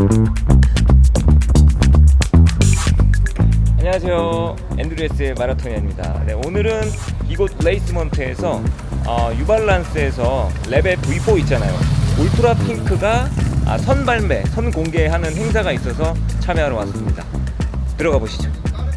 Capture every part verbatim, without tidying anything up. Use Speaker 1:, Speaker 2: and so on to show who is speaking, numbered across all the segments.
Speaker 1: 안녕하세요, 앤드루에스의 마라토니아입니다. 네, 오늘은 이곳 레이스먼트에서 어, 뉴발란스에서 레벨 브이 포 있잖아요. 울트라 핑크가 아, 선발매, 선공개하는 행사가 있어서 참여하러 왔습니다. 들어가 보시죠.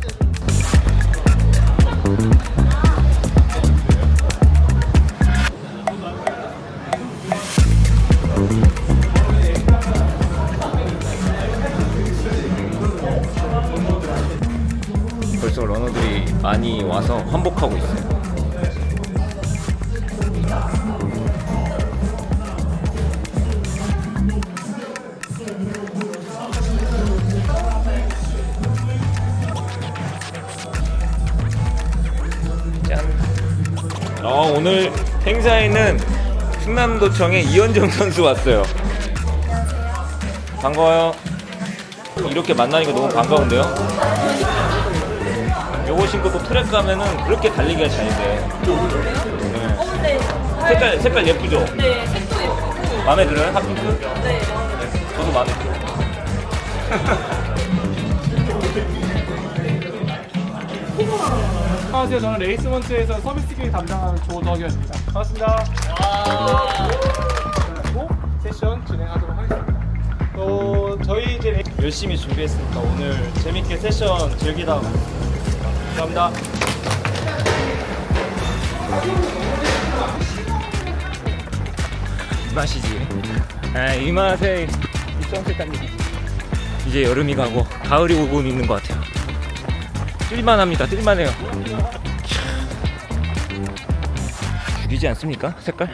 Speaker 1: 벌써 러너들이 많이 와서 환복하고 있어요. 짠. 어, 오늘 행사에는 충남도청의 이현정 선수 왔어요. 반가워요. 이렇게 만나니까 너무 반가운데요. 요거 신고 또 트랙 가면은 그렇게 달리기가 잘 돼. 네.
Speaker 2: 어, 네.
Speaker 1: 색깔 색깔 예쁘죠?
Speaker 2: 네, 색도 예쁘고.
Speaker 1: 마음에 들어요? 핫핑크?
Speaker 2: 네.
Speaker 1: 저도 마음에 들어요.
Speaker 3: 안녕하세요. 저는 레이스먼트에서 서비스 기획 담당하는 조덕현입니다. 반갑습니다. 그리고 세션 진행하도록 하겠습니다. 어, 저희 이제 레... 열심히 준비했으니까 오늘 재밌게 세션 즐기다 감사합니다.
Speaker 1: 이 맛이지. 아, 이 맛에 이 선셋 이 이제 여름이 가고 가을이 오고 있는 것 같아요. 뜰만합니다. 뜰만해요. 죽이지 않습니까? 색깔?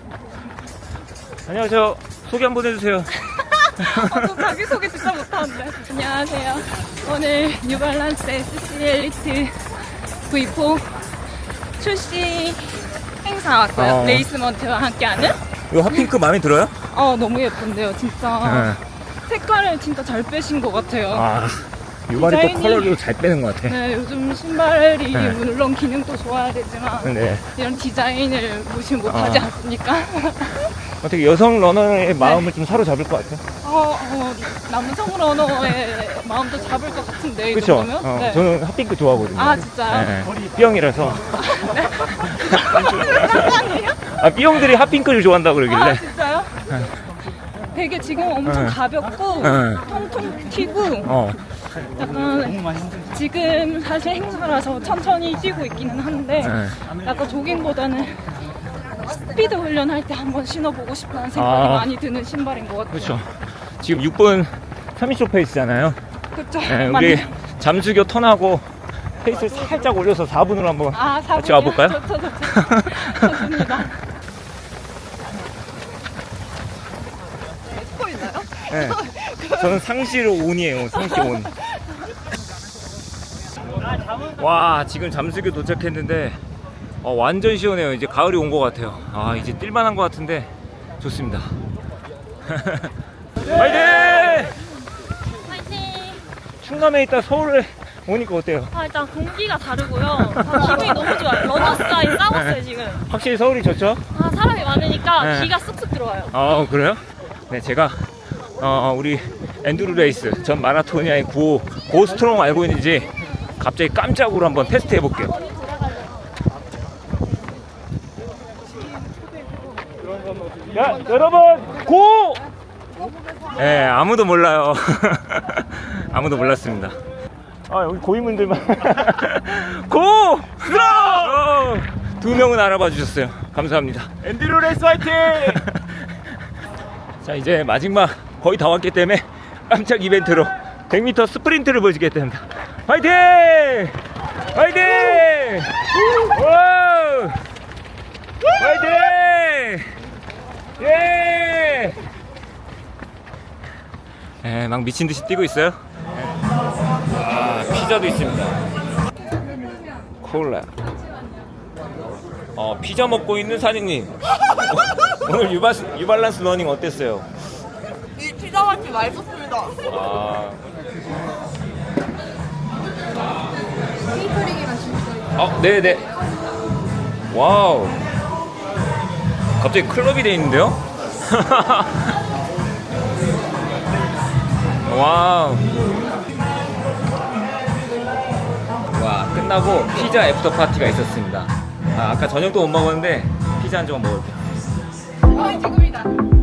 Speaker 1: 안녕하세요. 소개 한번 해주세요.
Speaker 2: 어, 저 자기소개 진짜 못하는데. 안녕하세요. 오늘 뉴발란스 에스씨 엘리트 브이 포 출시 행사 왔어요.
Speaker 1: 어.
Speaker 2: 레이스먼트와 함께하는.
Speaker 1: 이거 핫핑크 마음에 들어요?
Speaker 2: 어, 너무 예쁜데요, 진짜.
Speaker 1: 네.
Speaker 2: 색깔을 진짜 잘 빼신 것 같아요.
Speaker 1: 아, 유발이 또
Speaker 2: 디자인이-
Speaker 1: 컬러를 잘 빼는 것 같아.
Speaker 2: 네, 요즘 신발이
Speaker 1: 네.
Speaker 2: 물론 기능도 좋아야 되지만
Speaker 1: 네.
Speaker 2: 이런 디자인을 무시 못하지
Speaker 1: 아.
Speaker 2: 않습니까?
Speaker 1: 어떻게 여성 러너의 마음을 좀 사로잡을 것 같아요?
Speaker 2: 어, 어, 남성 러너의 마음도 잡을 것 같은데 이
Speaker 1: 그렇죠?
Speaker 2: 정도면?
Speaker 1: 어,
Speaker 2: 네.
Speaker 1: 저는 핫핑크 좋아하거든요.
Speaker 2: 아, 진짜요?
Speaker 1: 네, 네. B형이라서.
Speaker 2: 아니에요?
Speaker 1: 아, B형들이 핫핑크를 좋아한다고 그러길래.
Speaker 2: 아, 진짜요? 되게 지금 엄청
Speaker 1: 네.
Speaker 2: 가볍고
Speaker 1: 네.
Speaker 2: 통통 튀고
Speaker 1: 어.
Speaker 2: 약간 지금 사실 행사라서 천천히 뛰고 있기는 한데
Speaker 1: 네.
Speaker 2: 약간 조깅보다는 스피드 훈련할 때 한번 신어보고 싶다는 생각이
Speaker 1: 아.
Speaker 2: 많이 드는 신발인 것 같아요.
Speaker 1: 그렇죠. 지금 육 분 삼십 초 페이스잖아요.
Speaker 2: 그렇죠.
Speaker 1: 네, 우리 잠수교 턴하고 페이스를 살짝 올려서 사 분으로 한번
Speaker 2: 아,
Speaker 1: 같이 와볼까요?
Speaker 2: 좋죠, 좋죠. 좋습니다. 찍고 있나요?
Speaker 1: 네. 저는 상시로 온이에요. 상시 온. 와, 지금 잠수교 도착했는데 어, 완전 시원해요. 이제 가을이 온 것 같아요. 아, 이제 뛸만한 것 같은데 좋습니다. 화이팅!
Speaker 2: 화이팅!
Speaker 1: 충남에 있다 서울에 오니까 어때요?
Speaker 2: 아, 일단 공기가 다르고요. 아, 기분이 너무 좋아요. 러너스아이 싸웠어요, 지금.
Speaker 1: 확실히 서울이 좋죠?
Speaker 2: 아, 사람이 많으니까
Speaker 1: 네.
Speaker 2: 기가 쑥쑥 들어와요.
Speaker 1: 아, 그래요? 네, 제가 어, 우리 엔두루 레이스 전 마라토니아의 고 고스트롱 알고 있는지 갑자기 깜짝으로 한번 테스트 해볼게요. 야, 여러분 고! 네, 아무도 몰라요. 아무도 몰랐습니다. 아, 여기 고인분들만 고! 스트롱! 두 명은 알아봐 주셨어요. 감사합니다.
Speaker 3: 엔드루 레이스 화이팅!
Speaker 1: 자, 이제 마지막 거의 다 왔기 때문에 깜짝 이벤트로 백 미터 스프린트를 보여주겠답니다. 화이팅! 화이팅! 와우! 화이팅! 예! 예, 막 미친 듯이 뛰고 있어요. 예. 아, 피자도 있습니다. 콜라. 어, 피자 먹고 있는 사장님. 오늘 유바, 유발란스 러닝 어땠어요?
Speaker 4: 이 피자 맛이 맛있었습니다.
Speaker 1: 아. 어, 네네. 와우. 갑자기 클럽이 돼 있는데요? 와우. 와, 끝나고 피자 애프터 파티가 있었습니다. 아, 아까 저녁도 못 먹었는데 피자 한 조각 먹을게.
Speaker 2: 아 지금이다.